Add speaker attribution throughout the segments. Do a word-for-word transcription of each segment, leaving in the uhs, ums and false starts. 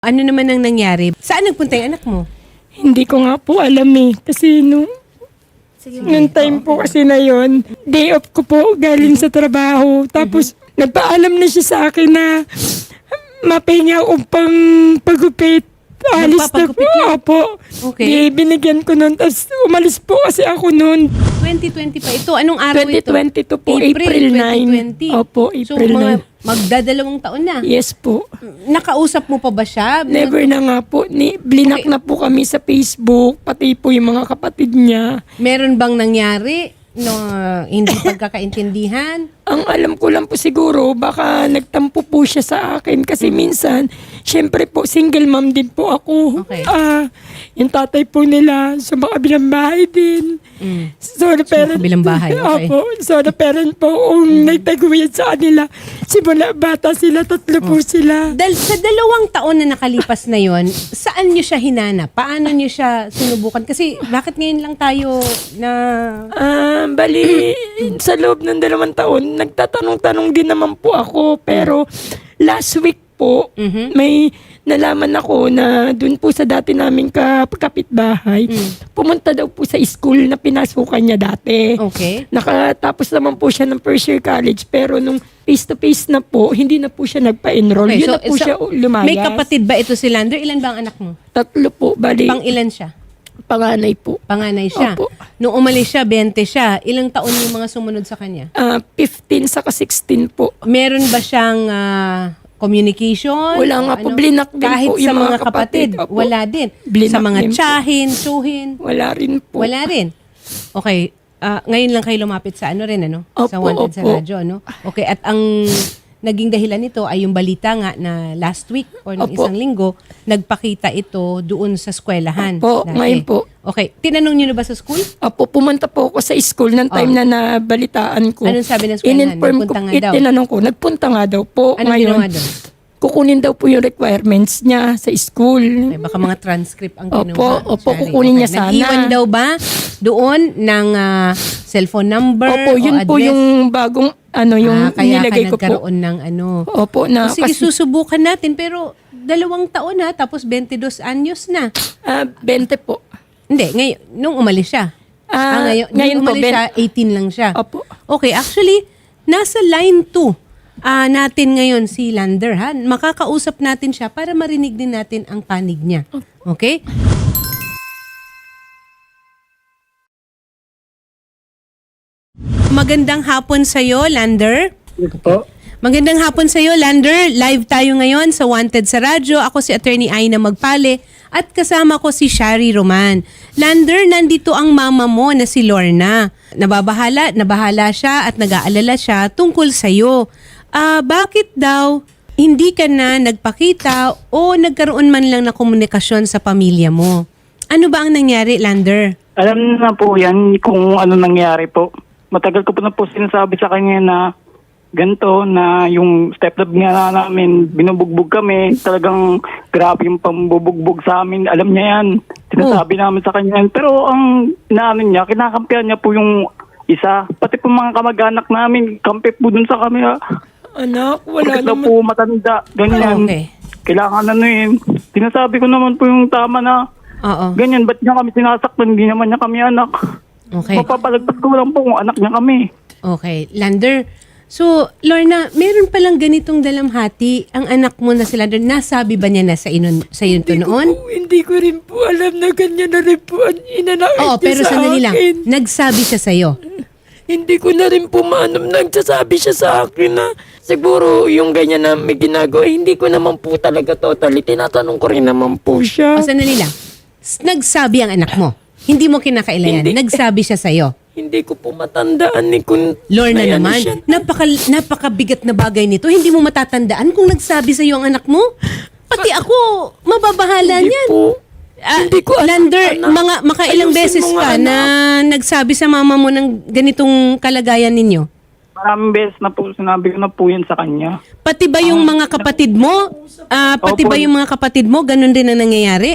Speaker 1: Ano naman ang nangyari? Saan nagpunta yung anak mo?
Speaker 2: Hindi ko nga po alam eh. Kasi nung, nung time po kasi na yon, day off ko po galing sa trabaho. Tapos nagpaalam na siya sa akin na mapahinga akong pang pagupit. Alis na po.
Speaker 1: Nagpapagupit na?
Speaker 2: Opo.
Speaker 1: Okay.
Speaker 2: Di, binigyan ko nun. Tapos umalis po kasi ako nun.
Speaker 1: twenty twenty pa ito. Anong araw
Speaker 2: twenty
Speaker 1: ito?
Speaker 2: twenty-two po, April ninth.
Speaker 1: twenty twenty.
Speaker 2: Opo,
Speaker 1: So,
Speaker 2: April
Speaker 1: mga
Speaker 2: ninth.
Speaker 1: magdadalawang taon na.
Speaker 2: Yes po.
Speaker 1: Nakausap mo pa ba siya?
Speaker 2: Never na nga po. Ni, blinak
Speaker 1: Okay.
Speaker 2: na po kami sa Facebook. Pati po yung mga kapatid niya.
Speaker 1: Meron bang nangyari no hindi pagkakaintindihan?
Speaker 2: Ang alam ko lang po siguro, baka nagtampo po siya sa akin. Kasi minsan, syempre po, single mom din po ako.
Speaker 1: Okay.
Speaker 2: Ah, yung tatay po nila, sa mga kabilang bahay din.
Speaker 1: Mm.
Speaker 2: So, the parent,
Speaker 1: kabilang bahay, okay.
Speaker 2: Opo, so, the parent po, um, nagtaguyod sa kanila. Simula bata sila, tatlo po sila.
Speaker 1: Dal sa dalawang taon na nakalipas na yon, saan niyo siya hinanap? Paano niyo siya sinubukan? Kasi bakit ngayon lang tayo na...
Speaker 2: Ah, bali, sa loob ng dalawang taon, nagtatanong-tanong din naman po ako. Pero last week po,
Speaker 1: Mhm.
Speaker 2: may nalaman ako na dun po sa dati naming ka- kapitbahay, pumunta daw po sa school na pinasukan niya dati.
Speaker 1: Okay.
Speaker 2: Nakatapos naman po siya ng first year college, pero nung face-to-face na po, hindi na po siya nagpa-enroll.
Speaker 1: Okay,
Speaker 2: Yun
Speaker 1: so-
Speaker 2: na po
Speaker 1: so,
Speaker 2: siya lumayas.
Speaker 1: May kapatid ba ito si Lander? Ilan ba ang anak mo?
Speaker 2: Tatlo po, bali,
Speaker 1: Pang ilan siya?
Speaker 2: panganay po.
Speaker 1: Panganay siya.
Speaker 2: Opo.
Speaker 1: Nung umalis siya, twenty siya. Ilang taon yung mga sumunod sa kanya?
Speaker 2: Ah, fifteen saka sixteen po.
Speaker 1: Meron ba siyang ah, communication?
Speaker 2: Wala
Speaker 1: O
Speaker 2: nga po, blinak din
Speaker 1: Kahit
Speaker 2: po
Speaker 1: sa
Speaker 2: yung
Speaker 1: mga
Speaker 2: mga
Speaker 1: kapatid,
Speaker 2: kapatid. Opo.
Speaker 1: wala din.
Speaker 2: Blinak
Speaker 1: sa mga
Speaker 2: din po.
Speaker 1: tsahin, tsuhin,
Speaker 2: Wala rin po.
Speaker 1: wala rin. Okay. Ah, ngayon lang kayo lumapit sa ano rin, ano?
Speaker 2: Opo,
Speaker 1: sa Wanted sa
Speaker 2: opo.
Speaker 1: radyo, ano? Okay, at ang naging dahilan nito ay yung balita nga na last week or nung
Speaker 2: Opo.
Speaker 1: isang linggo, nagpakita ito doon sa eskwelahan.
Speaker 2: Opo,
Speaker 1: dati.
Speaker 2: ngayon po.
Speaker 1: Okay, tinanong niyo na ba sa school?
Speaker 2: Apo, pumunta po ako sa school ng time
Speaker 1: Oh.
Speaker 2: na nabalitaan ko.
Speaker 1: Anong sabi ng eskwelahan?
Speaker 2: In-inform ko,
Speaker 1: Nagpunta nga daw.
Speaker 2: itinanong ko, nagpunta nga daw po.
Speaker 1: Anong
Speaker 2: Ngayon,
Speaker 1: ginawa doon?
Speaker 2: kukunin daw po yung requirements niya sa school.
Speaker 1: Okay, baka mga transcript ang
Speaker 2: Opo,
Speaker 1: kinuha.
Speaker 2: opo,
Speaker 1: Shari.
Speaker 2: kukunin niya sana.
Speaker 1: Nag-iwan daw ba doon ng ah, cellphone number
Speaker 2: Opo, yun
Speaker 1: o
Speaker 2: po
Speaker 1: address?
Speaker 2: yung bagong, ano, yung
Speaker 1: Ah, kaya
Speaker 2: nilagay
Speaker 1: ka
Speaker 2: ko po.
Speaker 1: nagkaroon ng ano.
Speaker 2: Opo, na,
Speaker 1: O, sige,
Speaker 2: kasi,
Speaker 1: susubukan natin. Pero dalawang taon na, tapos twenty-dos anyos na.
Speaker 2: ah, twenty po.
Speaker 1: Hindi, ngayon, nung umalis siya.
Speaker 2: Ah,
Speaker 1: ngayon,
Speaker 2: ngayon
Speaker 1: nung
Speaker 2: po,
Speaker 1: umalis
Speaker 2: ben-
Speaker 1: siya, eighteen lang siya.
Speaker 2: Opo.
Speaker 1: Okay, actually, nasa line two ah, natin ngayon si Lander. Ha? Makakausap natin siya para marinig din natin ang panig niya. Okay? Magandang hapon sa'yo, Lander.
Speaker 2: Ito po.
Speaker 1: Magandang hapon sa iyo, Lander. Live tayo ngayon sa Wanted sa Radyo. Ako si Attorney Aina Magpale at kasama ko si Shari Roman. Lander, nandito ang mama mo na si Lorna. Nababahala, nabahala siya at nag-aalala siya tungkol sa iyo. Ah, bakit daw hindi ka na nagpakita o nagkaroon man lang na komunikasyon sa pamilya mo? Ano ba ang nangyari, Lander?
Speaker 3: Alam na po yan kung ano nangyari po. Matagal ko po na po sinasabi sa kanya na ganito, na yung stepdad nga namin, binubugbog kami. Talagang grabe yung pambubugbog sa amin. Alam niya yan. Sinasabi namin sa kanya yan. Pero ang inaano niya, kinakampihan niya po yung isa. Pati po mga kamag-anak namin, kampi po dun sa kami.
Speaker 2: Anak, wala
Speaker 3: Bakit daw
Speaker 2: naman.
Speaker 3: po matanda, ganyan.
Speaker 1: Okay.
Speaker 3: Kailangan ano yun. Sinasabi ko naman po yung tama na
Speaker 1: Oo.
Speaker 3: ganyan, ba't niya kami sinasaktan? Hindi naman niya kami anak.
Speaker 1: Okay.
Speaker 3: Mapapalagpas ko lang po kung anak niya kami.
Speaker 1: Okay. Lander, so, Lorna, meron palang ganitong dalamhati ang anak mo na si Lander. Nasabi ba niya na sa, inon, sa iyo to
Speaker 2: Hindi ko
Speaker 1: noon?
Speaker 2: po- Hindi ko rin po alam na ganyan na rin po ang inanakit
Speaker 1: Oo,
Speaker 2: niya
Speaker 1: pero
Speaker 2: sa
Speaker 1: sandali lang.
Speaker 2: akin.
Speaker 1: Nagsabi siya sa iyo.
Speaker 2: Hindi ko na rin po maanong nagsasabi siya sa akin na siguro yung ganyan na may ginagawa, hindi ko naman po talaga totally. Tinatanong ko rin naman po siya.
Speaker 1: O, sandali lang. S- Nagsabi ang anak mo. Hindi mo kinakailangan.
Speaker 2: Hindi.
Speaker 1: Nagsabi siya sa iyo.
Speaker 2: Hindi ko po matandaan ni kung
Speaker 1: Lorna
Speaker 2: may ano
Speaker 1: naman,
Speaker 2: siya.
Speaker 1: napaka, napakabigat na bagay nito. Hindi mo matatandaan kung nagsabi sa iyo ang anak mo. Pati ako, mababahala
Speaker 2: Hindi
Speaker 1: niyan.
Speaker 2: po.
Speaker 1: Ah,
Speaker 2: Hindi ko alam,
Speaker 1: Lander,
Speaker 2: anak.
Speaker 1: mga makailang
Speaker 2: Ayusin
Speaker 1: beses
Speaker 2: mo nga,
Speaker 1: ka
Speaker 2: anak.
Speaker 1: na nagsabi sa mama mo ng ganitong kalagayan ninyo?
Speaker 3: Maraming beses na po, sinabi ko na po yan sa kanya.
Speaker 1: Pati ba yung mga kapatid mo? Ah, pati
Speaker 3: Opo.
Speaker 1: ba yung mga kapatid mo? Ganun din ang nangyayari?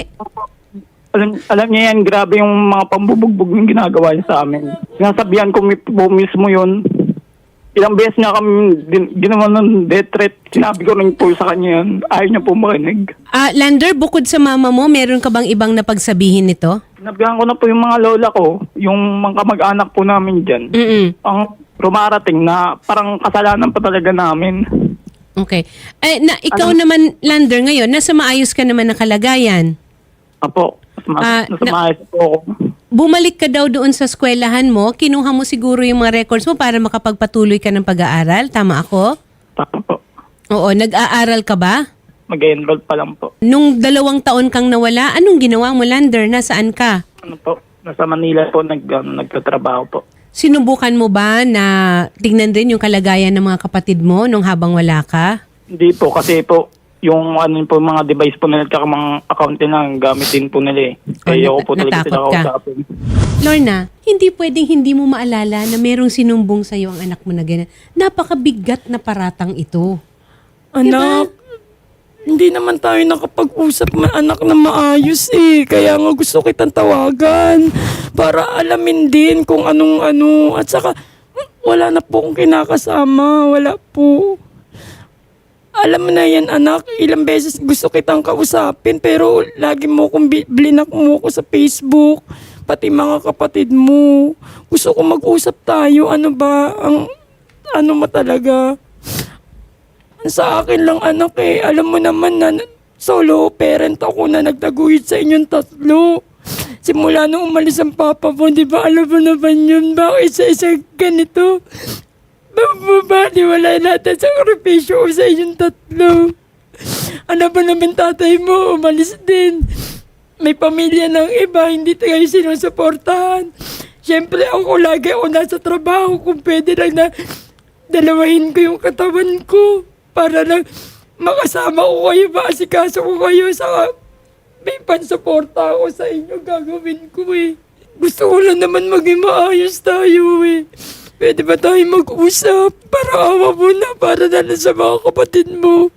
Speaker 3: Alam, alam niya yan, grabe yung mga pambubugbog yung ginagawa niya sa amin. Sinasabihan ko mi- po mismo yun. ilang beses nga kami din, ginawa ng death threat. Sinabi ko rin po sa kanya yun. Ayaw niya po makinig.
Speaker 1: Ah, Lander, bukod sa mama mo, meron ka bang ibang napagsabihin nito?
Speaker 3: Sinabihan ko na po yung mga lola ko, yung mga kamag-anak po namin dyan.
Speaker 1: Mm-mm.
Speaker 3: Ang rumarating na parang kasalanan pa talaga namin.
Speaker 1: Okay. Eh, na, ikaw naman, Lander, ngayon, nasa maayos ka naman na kalagayan.
Speaker 3: Apo, mas ma-
Speaker 1: Ah,
Speaker 3: nasa
Speaker 1: na-
Speaker 3: maayos po ako.
Speaker 1: Bumalik ka daw doon sa eskwelahan mo, kinuha mo siguro yung mga records mo para makapagpatuloy ka ng pag-aaral. Tama ako?
Speaker 3: Tama po.
Speaker 1: Oo, nag-aaral ka ba?
Speaker 3: Mag-enroll pa lang po.
Speaker 1: Nung dalawang taon kang nawala, anong ginawa mo, Lander? Nasaan ka?
Speaker 3: Ano po? Nasa Manila po nag, um, nagtatrabaho po.
Speaker 1: Sinubukan mo ba na tignan din yung kalagayan ng mga kapatid mo nung habang wala ka?
Speaker 3: Hindi po kasi po yung ano po mga device po nila at mga account nila gamitin po nila eh. Kaya
Speaker 1: Oh,
Speaker 3: ako po
Speaker 1: nat-
Speaker 3: talaga sila
Speaker 1: natakot ka.
Speaker 3: kausapin.
Speaker 1: Lorna, hindi pwedeng hindi mo maalala na merong sinumbong sa'yo ang anak mo na ganyan. Napakabigat na paratang ito.
Speaker 2: Anak, hindi naman tayo nakapag-usap na anak na maayos eh. Kaya nga gusto kitang tawagan para alamin din kung anong ano. At saka, wala na po akong kinakasama. Wala po. Alam mo na yan, anak. Ilang beses gusto kitang kausapin pero lagi mo akong bi- blinak mo ko sa Facebook. Pati mga kapatid mo. Gusto ko mag-usap tayo. Ano ba? Ang, ano mo talaga? Sa akin lang anak eh. Alam mo naman na solo parent ako na nagtaguyod sa inyong tatlo. Simula nung umalis ang papa mo, di ba alam mo naman yun? Bakit isa-isa ganito? Babaliwala natin sa sakripisyo ko sa inyong tatlo. Ano ba naman tatay mo? Umalis din. May pamilya ng iba, hindi tayo sinusuportahan. Siyempre ako lagi ako nasa trabaho. Kung pwede lang na dalawahin ko yung katawan ko para lang makasama ko kayo, maasikaso ko kayo sa may pansuporta ako sa inyo, gagawin ko eh. Gusto ko lang naman maging maayos tayo eh. Pwede ba tayo mag-usap para awa mo na para na lang sa mga kapatid mo?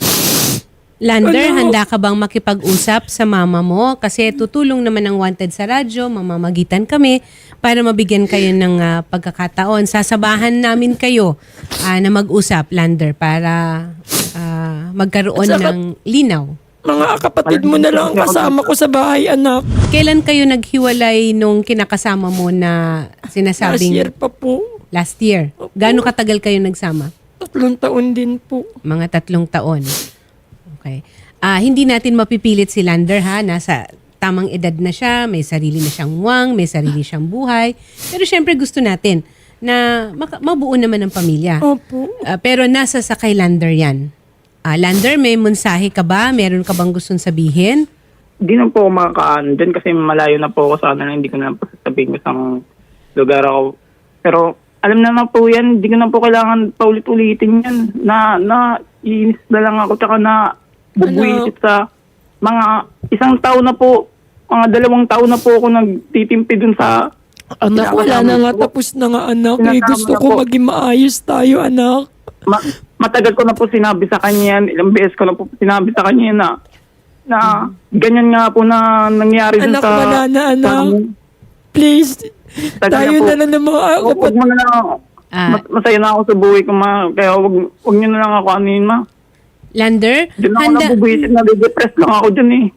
Speaker 1: Lander,
Speaker 2: Ano?
Speaker 1: handa ka bang makipag-usap sa mama mo? Kasi tutulong naman ang Wanted sa radyo, mamamagitan kami para mabigyan kayo ng ah, pagkakataon. Sasabahan namin kayo ah, na mag-usap, Lander, para ah, magkaroon
Speaker 2: At saka-
Speaker 1: ng linaw.
Speaker 2: Mga kapatid mo na lang ang kasama ko sa bahay, anak.
Speaker 1: Kailan kayo naghiwalay nung kinakasama mo na
Speaker 2: Last
Speaker 1: sinasabing
Speaker 2: year pa po.
Speaker 1: last year? Gaano katagal kayo nagsama?
Speaker 2: Tatlong taon din po.
Speaker 1: Mga tatlong taon. Okay. Ah, hindi natin mapipilit si Lander ha, nasa tamang edad na siya, may sarili na siyang wang, may sarili siyang buhay. Pero syempre gusto natin na maka- mabuo naman ang pamilya.
Speaker 2: Opo.
Speaker 1: Ah, pero nasa sa kay Lander yan. Ah, Lander, may mensahe ka ba? Meron ka bang gustong sabihin?
Speaker 3: Hindi na po ako makakaan dyan kasi malayo na po ako sa kanila. Hindi ko na po sasabihin ko sa lugar ako. Pero alam naman po yan, hindi ko na po kailangan paulit-ulitin yan. Na, na, iinis na lang ako tsaka na bubuisit sa mga isang taon na po, mga dalawang taon na po ako nagtitimpi dun sa
Speaker 2: Anak, wala na nga, tapos na nga anak. Eh,
Speaker 3: Sinasama
Speaker 2: gusto
Speaker 3: na
Speaker 2: ko
Speaker 3: po.
Speaker 2: maging maayos tayo, anak.
Speaker 3: Ma- matagal ko na po sinabi sa kanya yan, ilang beses ko na po sinabi sa kanya yan na na ganyan nga po na nangyari dun
Speaker 2: Anak,
Speaker 3: sa...
Speaker 2: wala na, anak.
Speaker 3: sa-
Speaker 2: Please,
Speaker 3: Tagal
Speaker 2: tayo
Speaker 3: na po.
Speaker 2: na lang ng mga
Speaker 3: Wag, wag
Speaker 2: kapatid.
Speaker 3: mo na lang ako.
Speaker 1: Ah.
Speaker 3: Mas, masaya na ako sa buhay ko, ma. Kaya wag, wag niyo na lang ako anuhin, ma.
Speaker 1: Lander,
Speaker 3: Diyan ako
Speaker 1: handa...
Speaker 3: nabubuhisit, nade-depress lang ako dyan eh.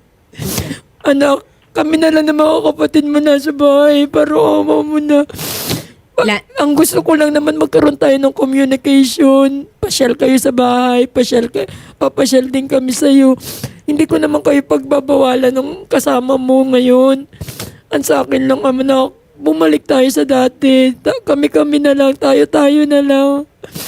Speaker 2: Anak, kami na lang ng mga kapatid mo na sa bahay. Pero ama mo na. Pa-
Speaker 1: La-
Speaker 2: ang gusto ko lang naman magkaroon tayo ng communication. Pasyal kayo sa bahay. Pasyal ka, papasyal din kami sa'yo. Hindi ko naman kayo pagbabawalan ng kasama mo ngayon. Ang sa akin lang, ama na, bumalik tayo sa dati. Ta- kami-kami na lang. Tayo-tayo na lang.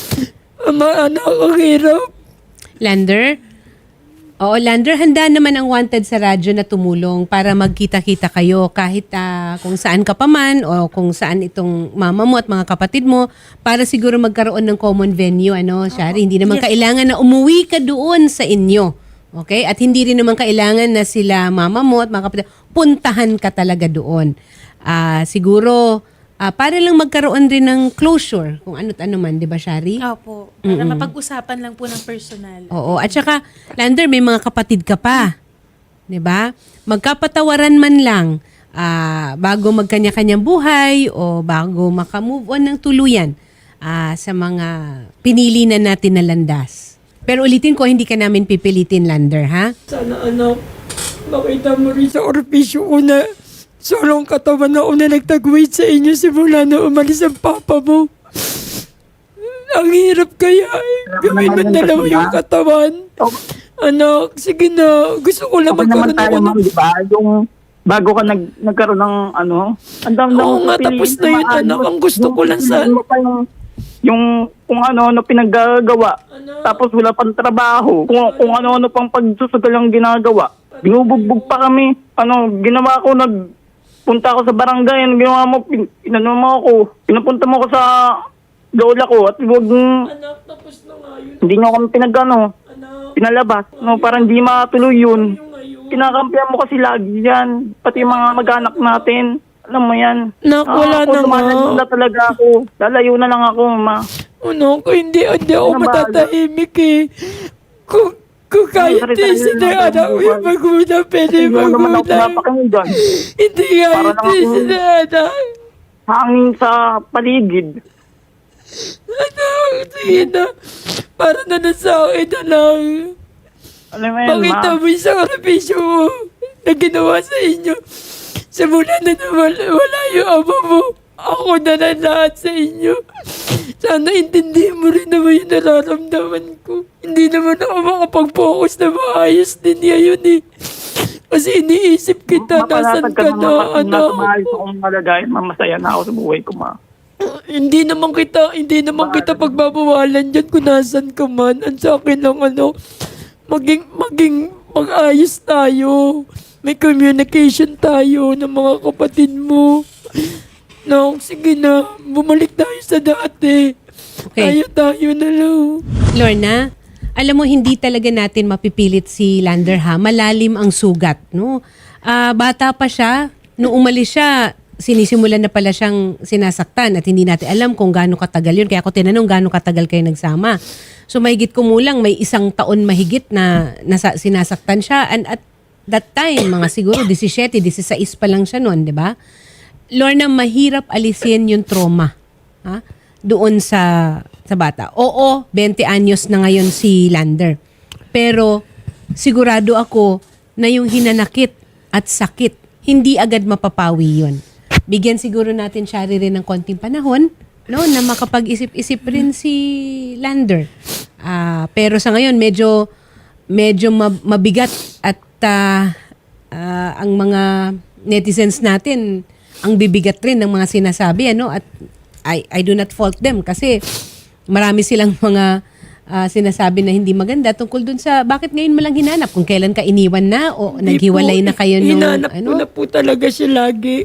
Speaker 2: Ama, anak, ang hirap.
Speaker 1: Lander? Oo, Lander, handa naman ang Wanted sa radyo na tumulong para magkita-kita kayo kahit ah, kung saan ka pa man o kung saan itong mama mo at mga kapatid mo para siguro magkaroon ng common venue, ano, Shari? Hindi naman kailangan na umuwi ka doon sa inyo. Okay? At hindi rin naman kailangan na sila mama mo at mga kapatid, puntahan ka talaga doon. Ah, siguro, ah, para lang magkaroon rin ng closure kung ano't ano man, di ba, Shari?
Speaker 4: Opo. Para mapag-usapan lang po ng personal.
Speaker 1: Oo. At saka, Lander, may mga kapatid ka pa. 'Di ba? Magkapatawaran man lang ah, bago magkanya-kanyang buhay o bago makamove on ng tuluyan. ah, sa mga pinili na natin na landas. Pero ulitin ko, hindi ka namin pipilitin, Lander, ha?
Speaker 2: Sana anak, makita mo rin sa orbisyo ko na solong katawan na una nagtagwait sa inyo simula na umalis ang papa mo. Ang hirap kaya eh. Gawin mo dalawa yung katawan. Anak, sige na. Gusto ko lang
Speaker 3: Okay naman
Speaker 2: magkaroon
Speaker 3: tayo,
Speaker 2: ako ng...
Speaker 3: ma'am, di ba? Yung bago ka nag, nagkaroon ng ano, ang dami
Speaker 2: Oo nga, tapos na yun, anak. Ang gusto ko lang sa...
Speaker 3: Yung, yung kung ano-ano pinaggagawa. Tapos wala pang trabaho. Kung, kung ano-ano pang pagsusugal ang ginagawa. Binubugbog pa kami. Ano, ginawa ko, nagpunta ako sa barangay. Ano ginawa mo? Pin, inano mo ako. Pinapunta mo ako sa lola ko. At huwag,
Speaker 2: Anak, tapos na nga yun.
Speaker 3: hindi nyo kami pinagano,
Speaker 2: Anak,
Speaker 3: pinalabas. No, para hindi matuloy yun.
Speaker 2: yung ngayon.
Speaker 3: Kinakampihan mo kasi lagi yan. Pati yung mga mag-anak natin. Alam mo yan.
Speaker 2: Nak,
Speaker 3: Ah,
Speaker 2: wala
Speaker 3: ako,
Speaker 2: na nga.
Speaker 3: lumalayo na talaga ako. Lalayo na lang ako, ma.
Speaker 2: Ano, kung hindi, hindi ako
Speaker 3: Ano ba?
Speaker 2: matatahimik eh. Kung, kung kahit
Speaker 3: Ano,
Speaker 2: di
Speaker 3: sarili-sarili
Speaker 2: sila
Speaker 3: natin
Speaker 2: anak,
Speaker 3: buhay.
Speaker 2: may maguna, pwede
Speaker 3: Hindi naman ako
Speaker 2: maguna.
Speaker 3: napakinggan.
Speaker 2: Hindi
Speaker 3: Para
Speaker 2: kahit
Speaker 3: lang
Speaker 2: di
Speaker 3: ako-
Speaker 2: sila anak.
Speaker 3: Hangin sa paligid.
Speaker 2: Anak, sige na. Para na na sa akin na lang.
Speaker 3: Alam mo yan,
Speaker 2: Pakita
Speaker 3: ma.
Speaker 2: mo yung sakripisyo mo na ginawa sa inyo. Simula na nawala wala yung ama mo. Ako na na lahat sa inyo. Sana intindihin mo rin naman yung nararamdaman ko. Hindi naman ako makapag-focus na maayos din ngayon eh. Kasi iniisip kita, nasan ka na,
Speaker 3: Nasa
Speaker 2: ano.
Speaker 3: maayos akong malagay. Mamasaya na ako sa buhay ko, ma.
Speaker 2: Hindi naman kita, hindi naman kita pagbabawalan dyan kung nasan ka man. Ang sa akin lang ano, maging, maging mag-ayos tayo. May communication tayo ng mga kapatid mo. No, sige na, bumalik tayo sa dati.
Speaker 1: Okay.
Speaker 2: Tayo tayo na lang.
Speaker 1: Lorna, alam mo, hindi talaga natin mapipilit si Lander, ha? Malalim ang sugat, no? Ah, bata pa siya, nung umalis siya, sinisimulan na pala siyang sinasaktan at hindi natin alam kung gaano katagal yun. Kaya ako tinanong gaano katagal kayo nagsama. So mahigit kumulang, may isang taon mahigit na nasa, sinasaktan siya. And at that time, mga siguro seventeen, sixteen pa lang siya noon, di ba? Lorna, mahirap alisin yung trauma, ha? Doon sa sa bata. Oo, twenty anyos na ngayon si Lander. Pero sigurado ako na yung hinanakit at sakit, hindi agad mapapawi yun. Bigyan siguro natin siya rin ng konting panahon, no, na makapag-isip-isip rin si Lander. Ah, pero sa ngayon medyo medyo mab- mabigat at ah, ah, ang mga netizens natin ang bibigat rin ng mga sinasabi, ano, at I I do not fault them kasi marami silang mga ah, sinasabi na hindi maganda tungkol dun sa bakit ngayon mo lang hinanap, kung kailan ka iniwan na o
Speaker 2: Hindi
Speaker 1: naghiwalay
Speaker 2: po,
Speaker 1: na kayo nung
Speaker 2: hinanap ko
Speaker 1: ano.
Speaker 2: na po talaga siya lagi.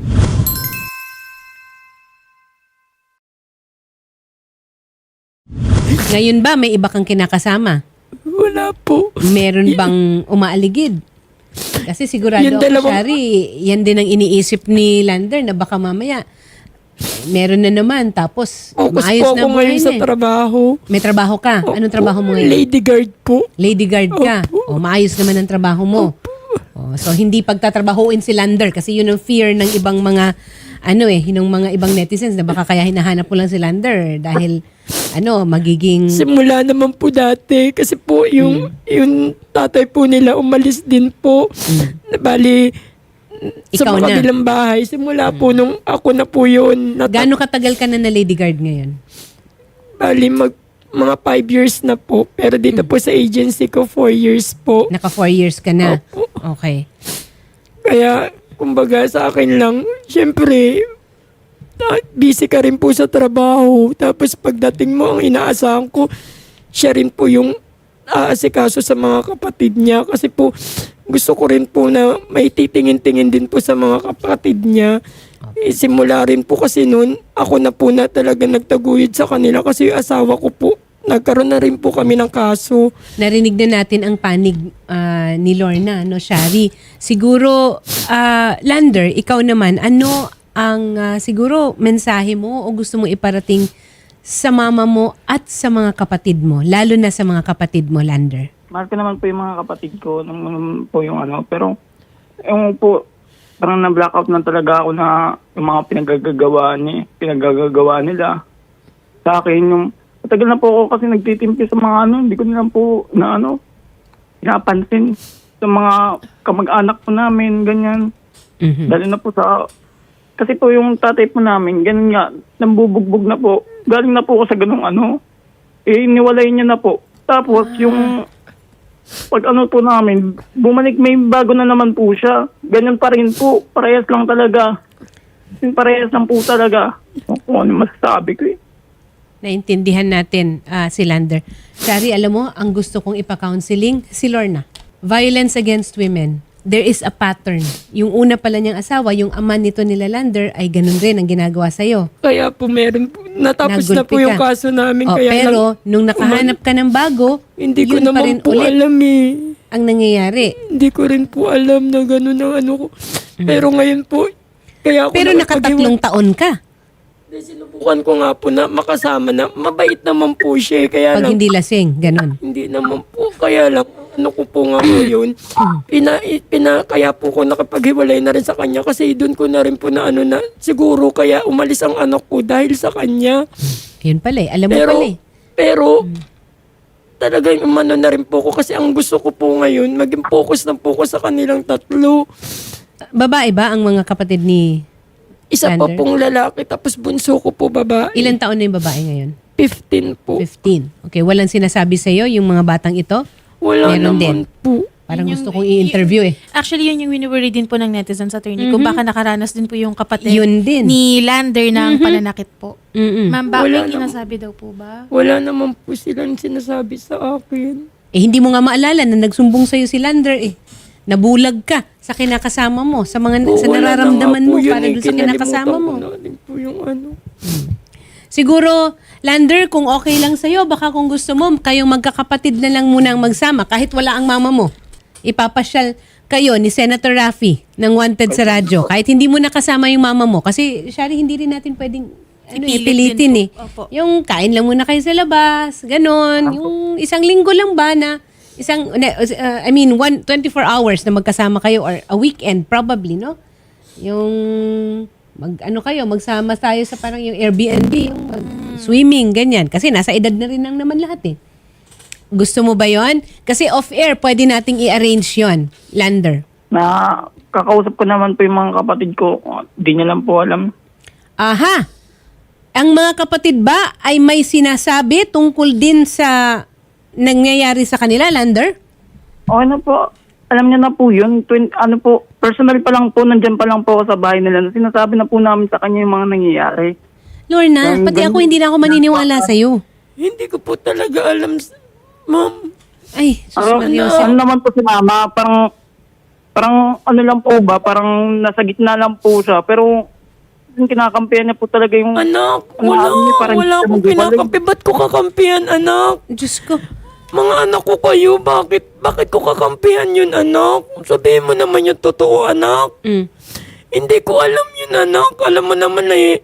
Speaker 1: Ngayon ba may iba kang kinakasama?
Speaker 2: Wala po.
Speaker 1: Meron bang umaaligid? Kasi sigurado
Speaker 2: Yung
Speaker 1: ako,
Speaker 2: dalawang-
Speaker 1: Shari, yan din ang iniisip ni Lander na baka mamaya meron na naman tapos
Speaker 2: Focus
Speaker 1: maayos
Speaker 2: po
Speaker 1: na
Speaker 2: ako
Speaker 1: buhay
Speaker 2: ngayon sa
Speaker 1: na eh.
Speaker 2: trabaho.
Speaker 1: May trabaho ka? Anong trabaho mo ngayon?
Speaker 2: Lady guard po.
Speaker 1: Lady guard ka.
Speaker 2: Opo.
Speaker 1: O maayos naman ang trabaho mo. O, so hindi pagtatrabahuin si Lander kasi yun ang fear ng ibang mga ano eh, yung mga ibang netizens na baka kaya hinahanap mo lang si Lander dahil ano, magiging
Speaker 2: Simula naman po dati kasi po yung
Speaker 1: Hmm.
Speaker 2: yung tatay po nila umalis din po. Bali sa
Speaker 1: Ikaw
Speaker 2: mga
Speaker 1: na.
Speaker 2: kabilang bahay. Simula po nung ako na po yun. Nat-
Speaker 1: gaano katagal ka na na lady guard ngayon?
Speaker 2: Bali mag mga five years na po. Pero dito po sa agency ko, four years po.
Speaker 1: Naka four years ka na.
Speaker 2: Opo.
Speaker 1: Okay.
Speaker 2: Kaya, kumbaga sa akin lang, syempre, ta- busy ka rin po sa trabaho. Tapos pagdating mo, ang inaasahan ko, siya rin po yung aasikaso sa mga kapatid niya. Kasi po, gusto ko rin po na may titingin-tingin din po sa mga kapatid niya. Eh, simula rin po kasi noon, ako na po na talaga nagtaguyod sa kanila kasi yung asawa ko po, nagkaroon na rin po kami ng kaso.
Speaker 1: Narinig na natin ang panig ah, ni Lorna, no, Shari. Siguro, ah, Lander, ikaw naman, ano ang ah, siguro mensahe mo o gusto mo iparating sa mama mo at sa mga kapatid mo, lalo na sa mga kapatid mo, Lander?
Speaker 3: Mahal ko naman po yung mga kapatid ko. Naman po yung ano. Pero, yung po, parang na-blackout na talaga ako na yung mga pinagagagawa, ni, pinagagagawa nila. sa akin. Yung, matagal na po ako kasi nagtitimpi sa mga ano, hindi ko na lang po na ano, pinapansin sa mga kamag-anak po namin, ganyan.
Speaker 1: Mhm.
Speaker 3: Dahil na po sa, kasi po yung tatay po namin, ganun nga, nambubugbog na po. Galing na po ako sa ganung ano, eh, iniwalay niya na po. Tapos yung, pag ano po namin, bumalik may bago na naman po siya. Ganyan pa rin po, parehas lang talaga. Yung parehas lang po talaga. Kung ano masasabi ko eh.
Speaker 1: Naintindihan natin, ah, si Lander. Shari, alam mo, ang gusto kong ipa-counseling, si Lorna. Violence against women. There is a pattern. Yung una pala niyang asawa, yung ama nito nila Lander, ay ganun rin ang ginagawa sa'yo.
Speaker 2: Kaya po meron po, natapos na po
Speaker 1: Nagulpi
Speaker 2: yung
Speaker 1: ka.
Speaker 2: kaso namin.
Speaker 1: Oh,
Speaker 2: kaya
Speaker 1: pero,
Speaker 2: lang,
Speaker 1: nung nakahanap ka ng bago,
Speaker 2: hindi ko
Speaker 1: yun pa rin
Speaker 2: naman po
Speaker 1: ulit
Speaker 2: alam eh.
Speaker 1: ang nangyayari.
Speaker 2: Hindi ko rin po alam na gano'n ang ano ko. Pero ngayon po, kaya ako
Speaker 1: Pero nakatatlong taon ka.
Speaker 2: Hindi, sinubukan ko nga po na makasama na mabait naman po siya. eh, Kaya
Speaker 1: Pag
Speaker 2: lang,
Speaker 1: hindi lasing, ganun.
Speaker 2: hindi naman po. Kaya lang, ano ko po nga ngayon, pina, pina, kaya po ko nakapaghiwalay na rin sa kanya kasi doon ko na rin po na ano na, siguro kaya umalis ang anak ko dahil sa kanya.
Speaker 1: Yun pala eh. Alam mo
Speaker 2: Pero,
Speaker 1: pala eh.
Speaker 2: pero, talagang umano na rin po ko kasi ang gusto ko po ngayon, maging focus na focus sa kanilang tatlo.
Speaker 1: Babae ba ang mga kapatid ni...
Speaker 2: Isa pa
Speaker 1: Lander?
Speaker 2: pong lalaki, tapos bunso ko po babae.
Speaker 1: Ilan taon na yung babae ngayon?
Speaker 2: fifteen po.
Speaker 1: fifteen. Okay, walang sinasabi sa'yo yung mga batang ito?
Speaker 2: Wala
Speaker 1: Meron
Speaker 2: naman po.
Speaker 1: Parang
Speaker 4: Yun
Speaker 1: gusto
Speaker 4: yung-
Speaker 1: kong i-interview eh.
Speaker 4: Actually, yun yung wini-worry din po ng netizens attorney. Kung baka nakaranas din po yung kapatid
Speaker 1: Yun din.
Speaker 4: ni Lander ng pananakit po.
Speaker 1: Mm-mm.
Speaker 4: Ma'am, bakit
Speaker 2: Wala
Speaker 4: may
Speaker 2: naman.
Speaker 4: sinasabi daw po ba?
Speaker 2: Wala naman po silang sinasabi sa akin.
Speaker 1: Eh, hindi mo nga maalala na nagsumbong sa'yo si Lander eh. Nabulag ka sa kinakasama mo, sa mga
Speaker 2: Po,
Speaker 1: sa
Speaker 2: wala na
Speaker 1: nararamdaman
Speaker 2: nga po
Speaker 1: mo
Speaker 2: yun
Speaker 1: para
Speaker 2: eh.
Speaker 1: doon sa kinakasama
Speaker 2: Kinalimutan
Speaker 1: mo.
Speaker 2: ko na rin po yung ano.
Speaker 1: Siguro, Lander, kung okay lang sa'yo, baka kung gusto mo, kayong magkakapatid na lang muna ang magsama kahit wala ang mama mo. Ipapasyal kayo ni Senator Raffy ng Wanted sa radyo. Kahit hindi mo nakasama yung mama mo. Kasi, Shari, hindi rin natin pwedeng ano,
Speaker 4: Ipilit
Speaker 1: ipilitin
Speaker 4: din
Speaker 1: eh.
Speaker 4: po. Opo.
Speaker 1: Yung kain lang muna kayo sa labas, ganon. Yung isang linggo lang ba na isang, uh, I mean, one, twenty-four hours na magkasama kayo or a weekend probably, no? Yung mag ano kayo, magsama tayo sa parang yung Airbnb, yung mag, swimming, ganyan. Kasi nasa edad na rin lang naman lahat eh. Gusto mo ba yon? Kasi off-air, pwede nating i-arrange yon, Lander.
Speaker 3: Na kakausap ko naman po yung mga kapatid ko, di niya lang po alam.
Speaker 1: Aha! Ang mga kapatid ba ay may sinasabi tungkol din sa nangyayari sa kanila, Lander?
Speaker 3: Okay na po. Alam niya na po yun. Twin, ano po, personal pa lang po, nandyan pa lang po ako sa bahay nila. Sinasabi na po namin sa kanya yung mga nangyayari.
Speaker 1: Lorna,
Speaker 3: Ang
Speaker 1: pati ako
Speaker 3: ganun-
Speaker 1: hindi na ako maniniwala sa'yo.
Speaker 2: Hindi ko po talaga alam, s- ma'am.
Speaker 1: Ay, sus
Speaker 3: Ano,
Speaker 1: Maria
Speaker 3: ano,
Speaker 1: Jose.
Speaker 3: ano naman po si mama, parang, parang ano lang po ba, parang nasa gitna lang po siya. Pero, yung kinakampihan niya po talaga yung...
Speaker 2: Anak,
Speaker 3: Ano,
Speaker 2: wala,
Speaker 3: ano niya, parang
Speaker 2: wala
Speaker 3: hindi
Speaker 2: akong
Speaker 3: siya magbabalag.
Speaker 2: kinakampi. Ba't ko kakampihan, anak?
Speaker 1: Diyos ko.
Speaker 2: Mga anak ko kayo, bakit, bakit ko kakampihan yun, anak? Sabihin mo naman yung totoo, anak.
Speaker 1: Mm.
Speaker 2: Hindi ko alam yun, anak. Alam mo naman na eh.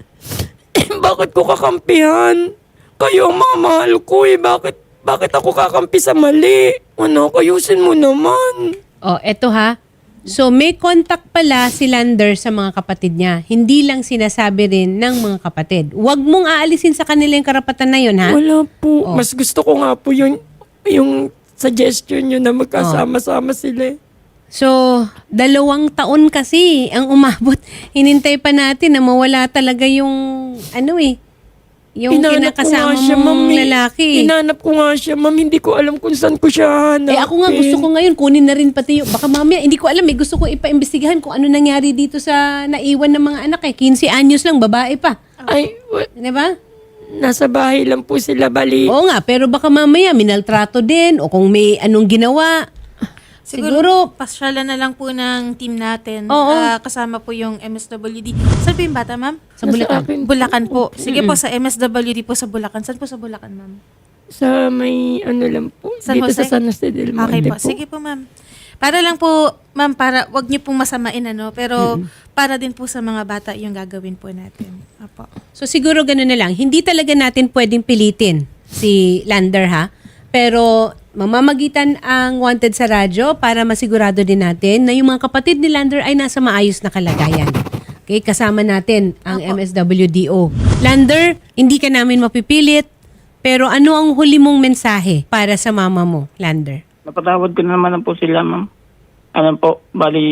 Speaker 2: Bakit ko kakampihan? Kayo ang mga mahal ko eh. Bakit, bakit ako kakampi sa mali? Anak, ayusin mo naman.
Speaker 1: Oh, eto ha. So, may contact pala si Lander sa mga kapatid niya. Hindi lang sinasabi rin ng mga kapatid. Huwag mong aalisin sa kanila yung karapatan na yun, ha?
Speaker 2: Wala po.
Speaker 1: Oh.
Speaker 2: Mas gusto ko nga po yung, yung suggestion nyo na magkasama-sama sila eh.
Speaker 1: So, dalawang taon kasi ang umabot. Hinintay pa natin na mawala talaga yung, ano eh, yung
Speaker 2: Hinanap ko
Speaker 1: kinakasama
Speaker 2: nga siya,
Speaker 1: mong
Speaker 2: ma'am, eh.
Speaker 1: lalaki.
Speaker 2: Hinanap ko nga siya, ma'am. Hindi ko alam kung saan ko siya hanapin.
Speaker 1: Eh ako nga gusto ko ngayon kunin na rin pati yung, baka mamaya, hindi ko alam eh, gusto ko ipa-imbestigahan kung ano nangyari dito sa naiwan ng mga anak eh. fifteen anyos lang, babae pa.
Speaker 2: Ay, wa-
Speaker 1: Di ba?
Speaker 2: nasa bahay lang po sila, bali.
Speaker 1: Oo nga, pero baka mamaya minaltrato din o kung may anong ginawa. Siguro,
Speaker 4: Siguro, pasyalan na lang po ng team natin.
Speaker 1: Oo.
Speaker 4: Ah, kasama po yung M S W D. Saan po yung bata, ma'am?
Speaker 1: sa Bulacan.
Speaker 2: akin po.
Speaker 4: Bulacan po. Sige po, sa M S W D po sa Bulacan. Saan po sa Bulacan, ma'am?
Speaker 2: Sa may ano lang po.
Speaker 4: San
Speaker 2: dito
Speaker 4: Jose?
Speaker 2: sa San Jose del Monte
Speaker 4: Okay po.
Speaker 2: po.
Speaker 4: Sige po, ma'am. Para lang po, ma'am, para wag niyo pong masamain, ano, pero para din po sa mga bata yung gagawin po natin. Apo.
Speaker 1: So siguro gano'n na lang. Hindi talaga natin pwedeng pilitin si Lander ha. Pero mamamagitan ang Wanted sa radyo para masigurado din natin na yung mga kapatid ni Lander ay nasa maayos na kalagayan. Okay, kasama natin ang
Speaker 4: Apo.
Speaker 1: M S W D O. Lander, hindi ka namin mapipilit, pero ano ang huli mong mensahe para sa mama mo, Lander?
Speaker 3: Napatawad ko na naman po sila, ma'am. Ano po, bali,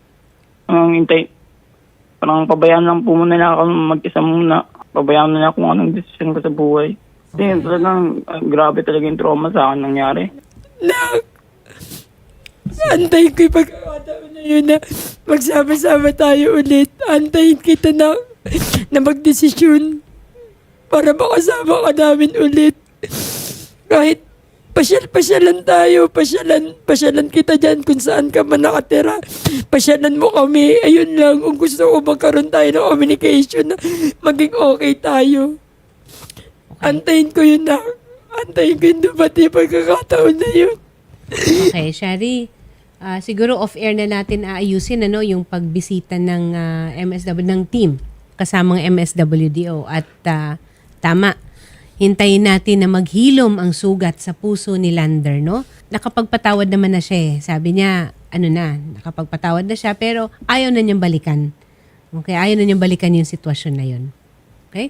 Speaker 3: ang hintay, parang pabayaan lang po muna na ako mag-isa muna. Pabayaan na na kung anong desisyon ko sa buhay. Kasi yun, talagang ah, grabe talaga yung trauma sa akin nangyari.
Speaker 2: Nak, antayin ko yung pagkakataon na yun na magsama-sama tayo ulit. Antayin kita na, na magdesisyon para makasama ka namin ulit. Kahit pasyal-pasyalan tayo, pasyalan, pasyalan kita dyan kung saan ka man nakatira. Pasyalan mo kami. Ayun lang, kung gusto ko magkaroon tayo ng communication na maging okay tayo. Antayin ko yun na. Antayin ko yung dumati pagkakataon na yun.
Speaker 1: Okay, Shari. ah, siguro off-air na natin aayusin ano, yung pagbisita ng ah, M S W, ng team kasamang M S W D O. At ah, tama, hintayin natin na maghilom ang sugat sa puso ni Lander, no? Nakapagpatawad naman na siya eh. Sabi niya, ano na, nakapagpatawad na siya, pero ayaw na niyang balikan. Okay, ayaw na niyang balikan yung sitwasyon na yun. Okay?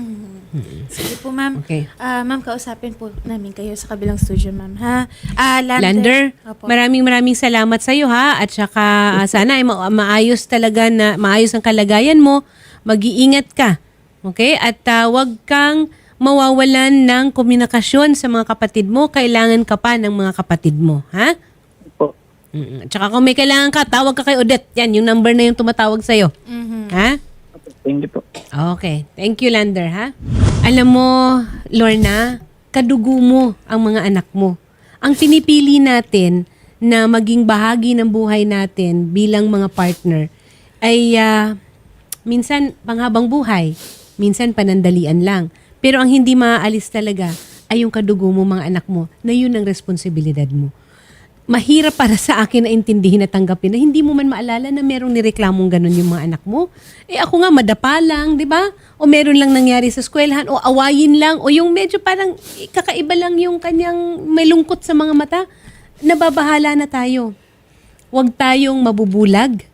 Speaker 4: Sige po, ma'am.
Speaker 1: Okay.
Speaker 4: Ah, ma'am, kausapin po namin kayo sa kabilang studio, ma'am, ha? Ah, Lander.
Speaker 1: Lander,
Speaker 4: Opo.
Speaker 1: maraming maraming salamat sa iyo ha, at saka ah, sana ay ma- maayos talaga na maayos ang kalagayan mo. Mag-iingat ka. Okay? At ah, wag kang mawawalan ng komunikasyon sa mga kapatid mo. Kailangan ka pa ng mga kapatid mo, ha?
Speaker 3: Po.
Speaker 1: Mm. At saka kung may kailangan ka, tawag ka kay Odette. Yan, yung number na yung tumatawag sa iyo.
Speaker 4: Mhm.
Speaker 1: Ha?
Speaker 3: Thank you po.
Speaker 1: Okay. Thank you, Lander, ha? Alam mo, Lorna, kadugo mo ang mga anak mo. Ang pinipili natin na maging bahagi ng buhay natin bilang mga partner ay ah, minsan panghabang buhay, minsan panandalian lang. Pero ang hindi maaalis talaga ay yung kadugo mo, mga anak mo, na yun ang responsibilidad mo. Mahirap para sa akin na intindihin at tanggapin na hindi mo man maalala na merong nireklamong ganun yung mga anak mo. Eh ako nga, madapa lang, di ba? O meron lang nangyari sa eskwelahan, o awayin lang, o yung medyo parang eh, kakaiba lang yung kanyang may lungkot sa mga mata. Nababahala na tayo. Huwag tayong mabubulag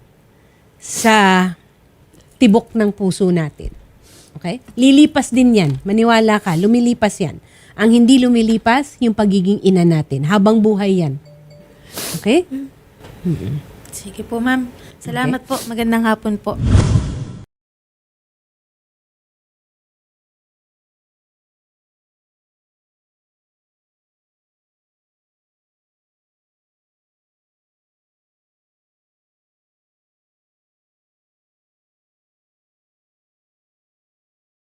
Speaker 1: sa tibok ng puso natin. Okay? Lilipas din yan. Maniwala ka, lumilipas yan. Ang hindi lumilipas, yung pagiging ina natin. Habang buhay yan. Okay?
Speaker 4: Sige po, ma'am. Salamat po. Magandang hapon po.